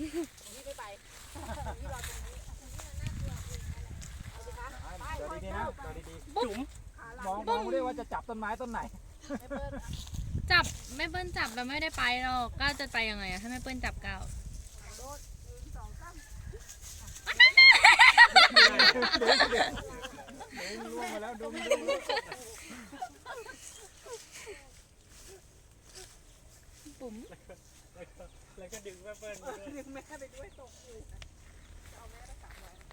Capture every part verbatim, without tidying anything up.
นี่ไม่ไปนี่รอตรงนี้เดี๋ยวดีๆนะเดี๋ยวดีๆจุ๋มมองมองด้วยว่าจะจับต้นไม้ต้นไหนจับไม่เปิ้ลจับเราไม่ได้ไปหรอกก้าวจะไปยังไงอะถ้าไม่เปิ้ลจับก้าวล่วงมาแล้วดูปุ๋มแล้วก็ดึงแม่เปิ้ลดึงแม่ไปด้วยตกอยู่เอาแม่ได้สามร้อย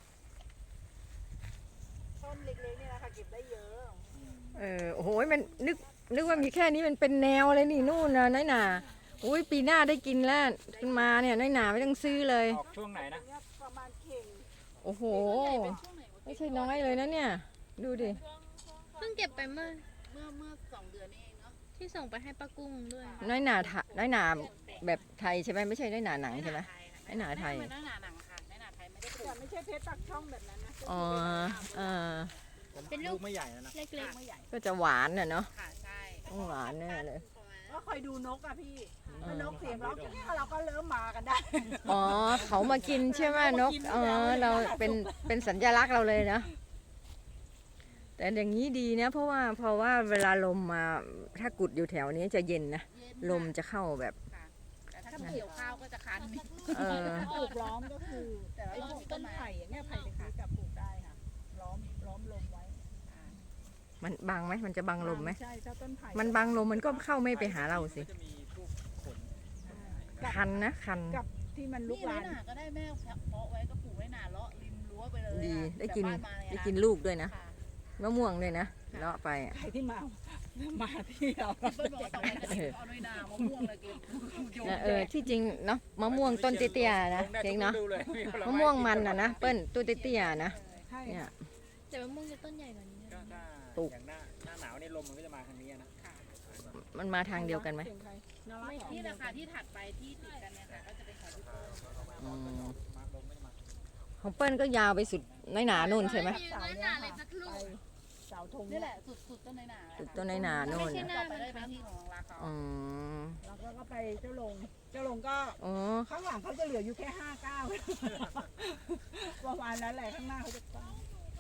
ต้นเล็กๆนี่นะคะเก็บได้เยอะเออโอ้โหมันนึกนึกว่ามีแค่นี้มันเป็นแนวเลยนี่นู่นนะน้อยหนาอุ้ยปีหน้าได้กินแล้วขึ้นมาเนี่ยน้อยหนาไม่ต้องซื้อเลยออกช่วงไหนนะประมาณเข่งโอ้โหไม่ใช่น้อยเลยนะเนี่ยดูดิเพิ่งเก็บไปเมื่อเมื่อเมื่อสองเดือนนี้เองเนาะที่ส่งไปให้ป้ากุ้งด้วยน้อยหนาน้อยหนาแบบไทยใช่ไหมไม่ใช่น้อยหนาหนังใช่ไหมน้อยหนาไทยน้อยหนาหนังค่ะน้อยหนาไทยไม่ได้แต่ไม่ใช่เพชรปักช่องแบบนั้นนะอ๋อเออเป็นลูกไม่ใหญ่นะเล็กๆไม่ใหญ่ก็จะหวานน่ะเนาะค่ะใช่ต้องหวานแน่เลยก็คอยดูนกอะพี่นกเสียงร้องเราก็เริ่มมากันได้อ๋อเขามากินใช่ไหมนกเออเราเป็นเป็นสัญลักษณ์เราเลยนะแต่อย่างนี้ดีนะเพราะว่าเพราะว่าเวลาลมมาถ้ากุดอยู่แถวนี้จะเย็นนะลมจะเข้าแบบแต่ถ้าเกี่ยวข้าวก็จะคันเออปลูกล้อมก็คือแต่ไอ้พวกต้นไผ่อย่างเงี้ยไผ่เล็กๆกับปลูกได้ค่ะล้อมล้อมลมไว้มันบังไหมมันจะบังลมไหมใช่ถ้าต้นไผ่มันบังลมมันก็เข้าไม่ไปหาเราสิคันนะคันกับที่มันลุกลามก็ได้แม่เพาะไว้ก็ปลูกไว้หนาเลาะริมรั้วไปเลยดีได้กินได้กินลูกด้วยนะมะม่วงด้วยนะเลาะไปใครที่มามาที่เราเปิ้ลบอกต่อไปจะเอาน้อยนามะม่วงเลยกินเออที่จริงเนาะมะม่วงต้นเตี้ยๆนะเจ๊งเนาะมะม่วงมันอ่ะนะเปิ้ลต้นเตี้ยๆนะเนี่ยแต่มะม่วงจะต้นใหญ่กว่านี้ปลูกอย่างหน้าหน้าหนาวนี่ลมมันก็จะมาทางนี้นะมันมาทางเดียวกันไหมนี่ราคาที่ถัดไปที่ติดกันเนี่ยค่ะก็จะเป็นของพี่เปิ้ลของเปิ้ลก็ยาวไปสุดน้อยหนานู่นใช่ไหมน้อยหนาเลยสักลูกเสาธงนี่แหละสุดสุดต้นน้อยหนาสุดต้นน้อยหนานู่นต่อไปได้ไปที่ของราคาอ๋อแล้วก็ไปเจ้าลงเจ้าลงก็ข้างหลังเขาจะเหลืออยู่แค่ห้าเก้าประมาณนั้นแหละข้างหน้าเขาจะตั้ง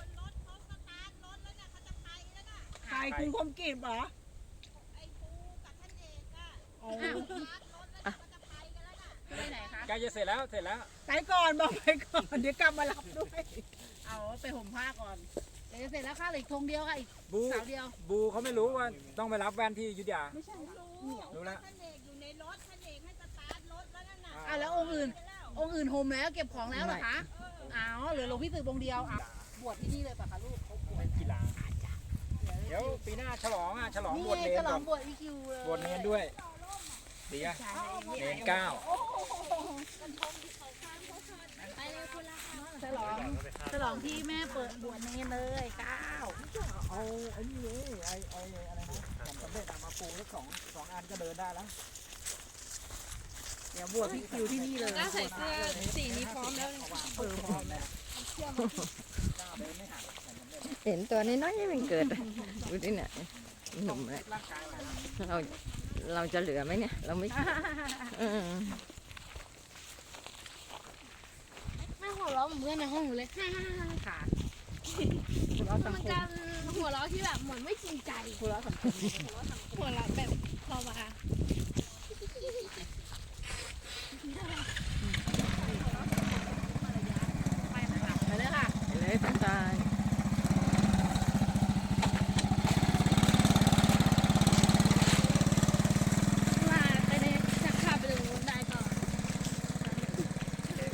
ใครคุณคมกีบเหรอไอ้ปูกับท่านเอกอะไปไหนคะใกล้จะเสร็จแล้วเสร็จแล้วไปก่อนบอกไปก่อนเดี๋ยวกลับมารับด้วยเอาไปห่มผ้าก่อนเดี๋ยวเสร็จแล้วค่ะอีกธงเดียวค่ะอีกเสาเดียวบูเขาไม่รู้ว่าต้องไปรับแว่นที่ยุทธยาไม่ใช่รู้รู้แล้วท่านเอกอยู่ในรถท่านเอกให้สตาร์ทรถแล้วนั่นน่ะอ่ะแล้วองค์อื่นองค์อื่นห่มแล้วเก็บของแล้วเหรอคะอ้าวเหลือหลวงพี่ตื่นวงเดียวอ่ะบวชที่นี่เลยป่ะคะลูกเขาบวชเป็นกีฬาเดี๋ยวปีหน้าฉลองอ่ะฉลองบวชเนรฉลองบวชอีคิวเลยบวชเนรด้วยดีอ่ะเนรเก้าไปเลยคุณละฉลองฉลองที่แม่เปิดบวชเนรเลยเก้าเอาไอ้นี่เลยไอ้ไอ้อะไรนะสำเร็จมาปลูกแล้วสองสองอันก็เดินได้แล้วเดี๋ยวบวชพี่คิวที่นี่เลยใส่เสื้อสีนี้พร้อมแล้วเออพร้อมแล้วเห็นตัวนี้น้อยมันเกิดดูดิเนี่ยหนุ่มเลยเราเราจะเหลือไหมเนี่ยเราไม่แม่หัวเราะเหมือนเพื่อนในห้องอยู่เลยค่ะมันจะหัวเราะที่แบบเหมือนไม่จริงใจหัวเราะสังคมหัวเราะแบบพอมาไปเลยค่ะไปเลยพันตายมาไปเลยชักขาไปเลยได้ก่อน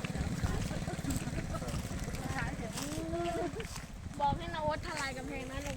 บอกให้นวัดทลายกำแพงนั้นเลย